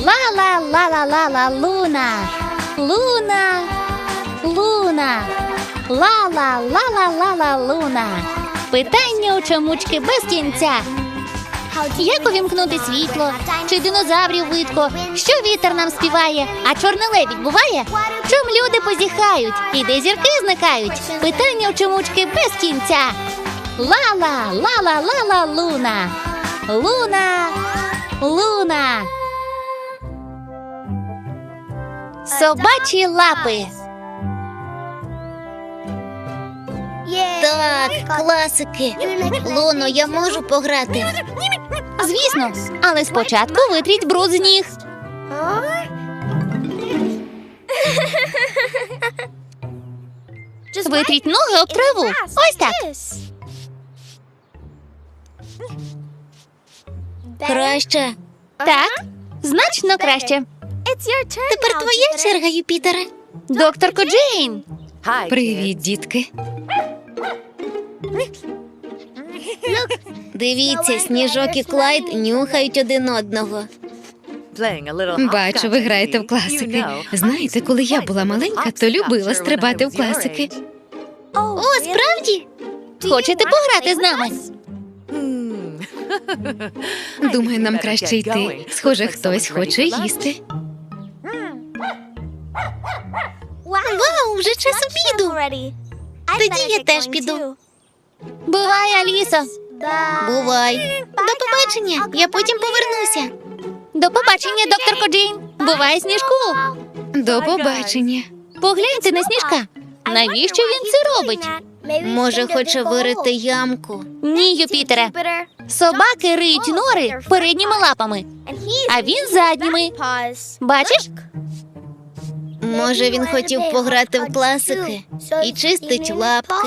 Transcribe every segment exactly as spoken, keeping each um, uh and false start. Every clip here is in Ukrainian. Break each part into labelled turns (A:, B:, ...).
A: Ла-ла-ла-ла-ла-ла, Луна. Луна. Луна. Ла-ла-ла-ла-ла-ла, Луна. Питання у чомучки без кінця. Як увімкнути світло? Чи динозаврів видко? Що вітер нам співає? А чорний лебідь буває? Чом люди позіхають? І де зірки зникають? Питання у чомучки без кінця. Ла-ла, ла-ла-ла-ла, Луна. Луна. Луна. Собачі лапи.
B: Так, класики. Луно, я можу пограти?
A: Звісно, але спочатку витріть бруд з ніг. Витріть ноги об траву. Ось так.
B: Краще.
A: Так, значно краще.
B: Тепер твоя черга, Юпітере.
A: Докторко Джейн.
C: Привіт, дітки.
B: Дивіться, Сніжок і Клайд нюхають один одного.
C: Бачу, ви граєте в класики. Знаєте, коли я була маленька, то любила стрибати в класики.
B: О, справді?
A: Хочете пограти з нами?
C: Думаю, нам краще йти. Схоже, хтось хоче їсти.
B: Вау, вже час обіду. Тоді я теж піду.
A: Бувай, Алісо.
B: Бувай. До побачення, я потім повернуся.
A: До побачення, докторко Джейн. Бувай, Сніжку.
C: До побачення.
A: Погляньте на Сніжка. Навіщо він це робить?
B: Може, хоче вирити ямку.
A: Ні, Юпітере. Собаки риють нори передніми лапами, а він задніми. Бачиш?
B: Може, він хотів пограти в класики і чистить лапки.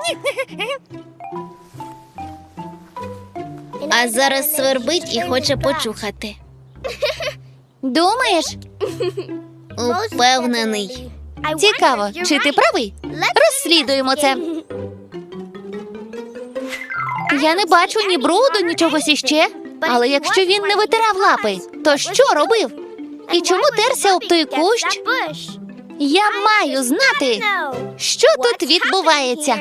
B: А зараз свербить і хоче почухати.
A: Думаєш?
B: Упевнений.
A: Цікаво, чи ти правий? Розслідуємо це. Я не бачу ні бруду, ні чогось іще. Але якщо він не витирав лапи, то що робив? І чому терся об той кущ? Я маю знати, що тут відбувається.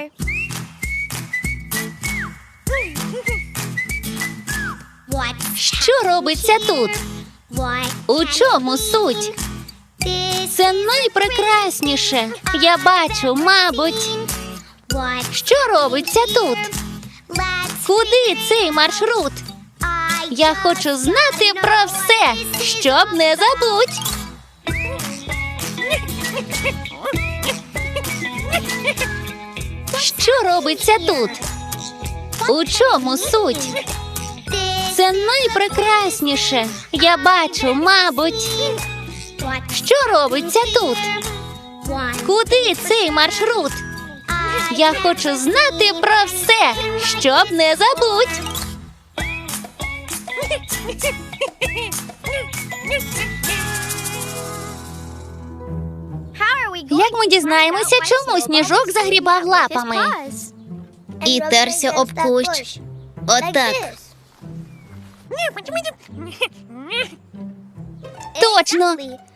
A: Що робиться тут? У чому суть? Це найпрекрасніше. Я бачу, мабуть. Що робиться тут? Куди цей маршрут? Я хочу знати про все, щоб не забудь. Що робиться тут? У чому суть? Це найпрекрасніше. Я бачу, мабуть. Що робиться тут? Куди цей маршрут? Я хочу знати про все, щоб не забудь. Як ми дізнаємося, чому Сніжок загрібав лапами?
B: І терся об кущ. Отак.
A: Точно.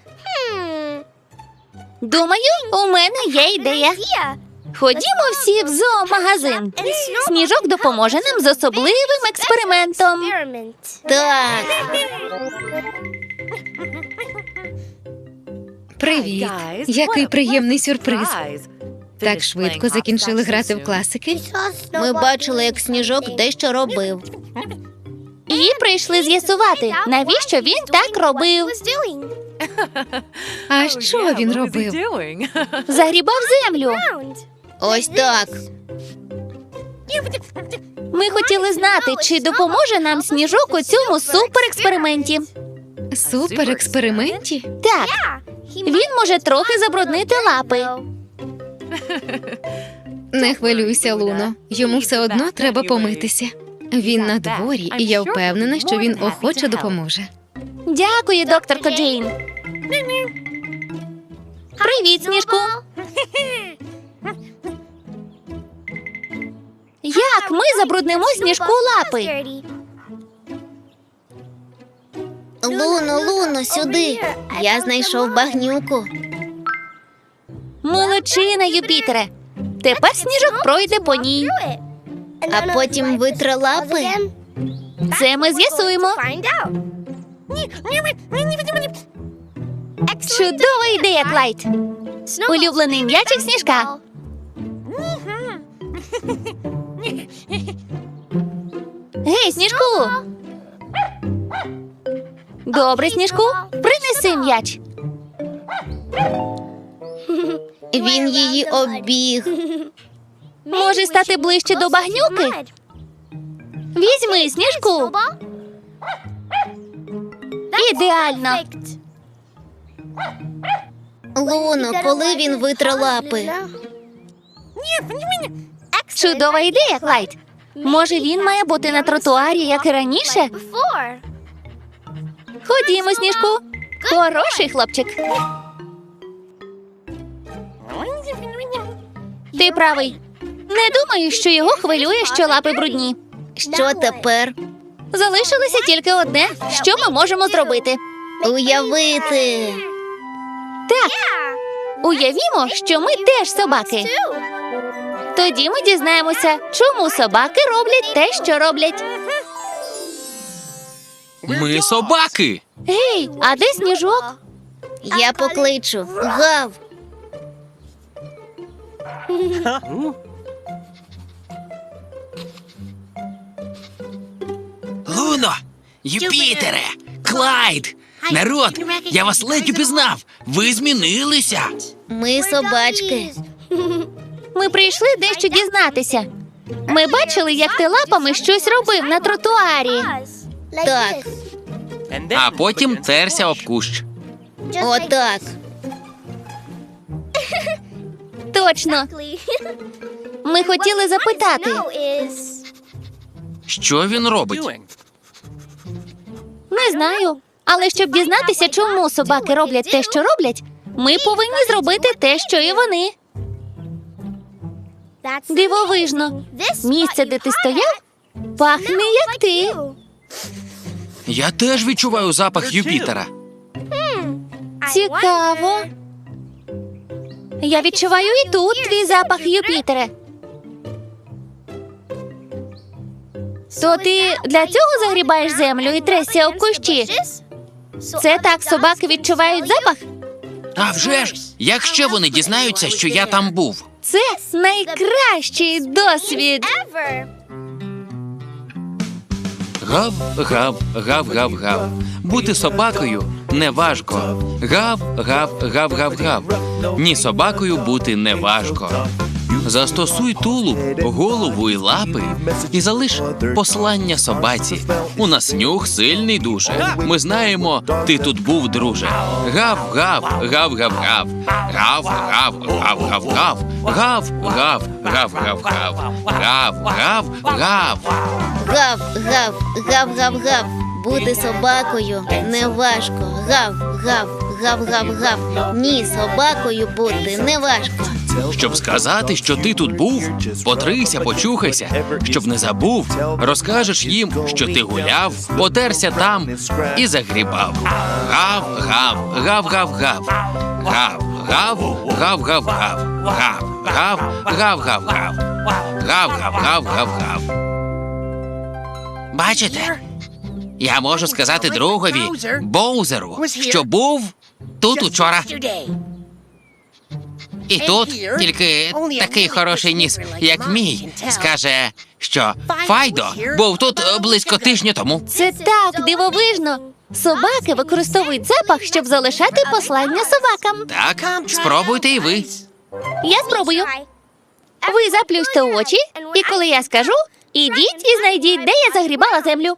A: Думаю, у мене є ідея. Ходімо всі в зоомагазин. Сніжок допоможе нам з особливим експериментом.
B: Так.
C: Привіт. Який приємний сюрприз. Так швидко закінчили грати в класики?
B: Ми бачили, як Сніжок дещо робив.
A: І прийшли з'ясувати, навіщо він так робив.
C: А що він робив?
A: Загрібав землю.
B: Ось так.
A: Ми хотіли знати, чи допоможе нам Сніжок у цьому суперексперименті.
C: Суперексперименті?
A: Так, він може трохи забруднити лапи.
C: Не хвилюйся, Луно. Йому все одно треба помитися. Він на дворі, і я впевнена, що він охоче допоможе.
A: Дякую, докторко Джейн. Привіт, Сніжку. Як ми забруднимо Сніжку лапи?
B: Луно, Луно, сюди. Я знайшов багнюку.
A: Молодчина, Юпітере. Тепер сніжок пройде по ній.
B: А потім витре лапи.
A: Це ми з'ясуємо. Чудова ідея, Клайд. Улюблений м'ячик сніжка. Гей, сніжку. Добре, сніжку. Принеси м'яч.
B: Він її обіг.
A: Може стати ближче до багнюки? Візьми сніжку. Ідеально.
B: Луно, коли він витре лапи?
A: Чудова ідея, Клайд. Може, він має бути на тротуарі, як і раніше? Ходімо, сніжку. Хороший хлопчик. Ти правий. Не думаю, що його хвилює, що лапи брудні.
B: Що тепер?
A: Залишилося тільки одне, що ми можемо зробити.
B: Уявити.
A: Так, уявімо, що ми теж собаки. Тоді ми дізнаємося, чому собаки роблять те, що роблять.
D: Ми собаки.
A: Гей, а де сніжок?
B: Я покличу. Гав.
D: Луно, Юпітере, Клайд. Народ, я вас ледь упізнав. Ви змінилися.
B: Ми собачки.
A: Ми прийшли дещо дізнатися. Ми бачили, як ти лапами щось робив на тротуарі.
B: Так,
D: А потім терся об кущ.
B: отак.
A: Точно. Ми хотіли запитати.
D: Що він робить?
A: Не знаю. Але щоб дізнатися, чому собаки роблять те, що роблять, ми повинні зробити те, що і вони. Дивовижно. Місце, де ти стояв, пахне, як ти.
D: Я теж відчуваю запах Юпітера.
A: Цікаво. Я відчуваю і тут твій запах, Юпітере. То ти для цього загрібаєш землю і тресся об кущі? Це так собаки відчувають запах?
D: А вже ж, як ще вони дізнаються, що я там був?
A: Це найкращий досвід.
D: Гав, гав, гав, гав, гав. Бути собакою не важко. Гав, гав, гав, гав, гав. Ні, собакою бути не важко. Застосуй тулуб, голову і лапи і залиш послання собаці. У нас нюх сильний дуже. Ми знаємо, ти тут був, друже. Гав, гав, гав, гав, гав. Гав, гав, гав, гав, гав. Гав, гав, гав, гав, гав. Гав, гав, гав.
B: Гав, гав, гав, гав, гав. Бути собакою не важко. Гав, гав, гав, гав, гав. Ні, собакою бути не важко.
D: Щоб сказати, що ти тут був, потрися, почухайся. Щоб не забув, розкажеш їм, що ти гуляв, потерся там і загрібав. Гав, гав, гав, гав, гав. Гав, гав, гав, гав, гав. Гав, гав, гав, гав, гав. Гав, гав, гав, гав, гав. Бачите? Я можу сказати другові, Боузеру, що був тут учора. І тут тільки такий хороший ніс, як мій, скаже, що Файдо був тут близько тижня тому.
A: Це так дивовижно. Собаки використовують запах, щоб залишати послання собакам.
D: Так, спробуйте і ви.
A: Я спробую. Ви заплющте очі, і коли я скажу, ідіть і знайдіть, де я загрібала землю.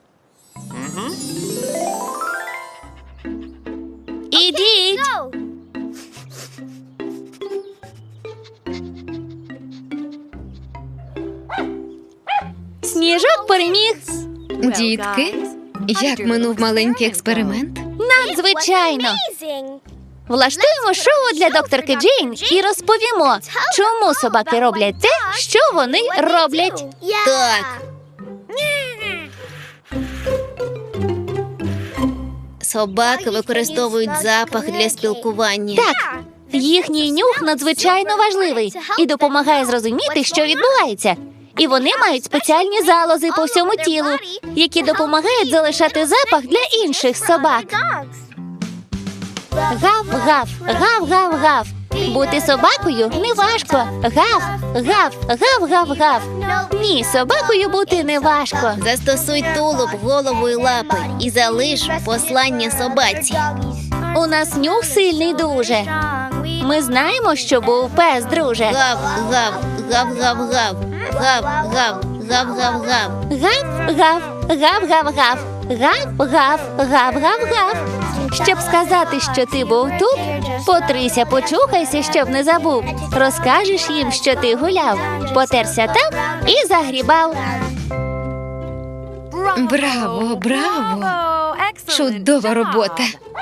A: Ідіть. Сніжок переміг.
C: Дітки, як минув маленький експеримент?
A: Надзвичайно. Влаштуємо шоу для докторки Джейн і розповімо, чому собаки роблять те, що вони роблять.
B: Так. Собаки використовують запах для спілкування.
A: Так, їхній нюх надзвичайно важливий і допомагає зрозуміти, що відбувається. І вони мають спеціальні залози по всьому тілу, які допомагають залишати запах для інших собак. Гав-гав, гав-гав-гав. Бути собакою не важко. Гав, гав, гав-гав-гав. Ні, собакою бути не важко.
B: Застосуй тулуб, голову і лапи і залиш послання собаці.
A: У нас нюх сильний дуже. Ми знаємо, що був пес, друже.
B: Гав, гав, гав, гав, гав. Гав, гав, гав, гав, гав.
A: Гав-гав, гав-гав-гав. Гав-гав, гав-гав-гав. Щоб сказати, що ти був тут, потрися, почухайся, щоб не забув. Розкажеш їм, що ти гуляв, потерся там і загрібав.
C: Браво, браво! Чудова робота.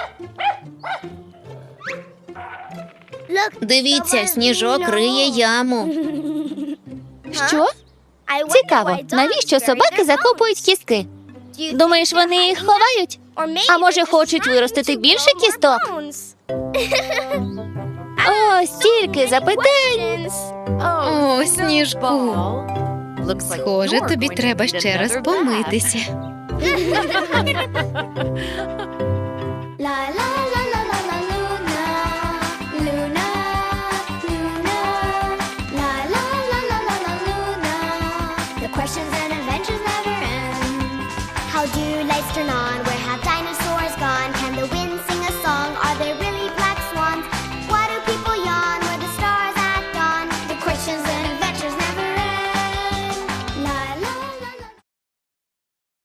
B: Дивіться, сніжок риє яму.
A: Що? Цікаво, навіщо собаки закопують кістки? Думаєш, вони їх ховають? А може, хочуть виростити більше кісток? О, стільки запитань.
C: О, Сніжку. Схоже, тобі треба ще раз помитися.
E: Questions and adventures never end. How do lights turn on? Where have dinosaurs gone? Can the wind sing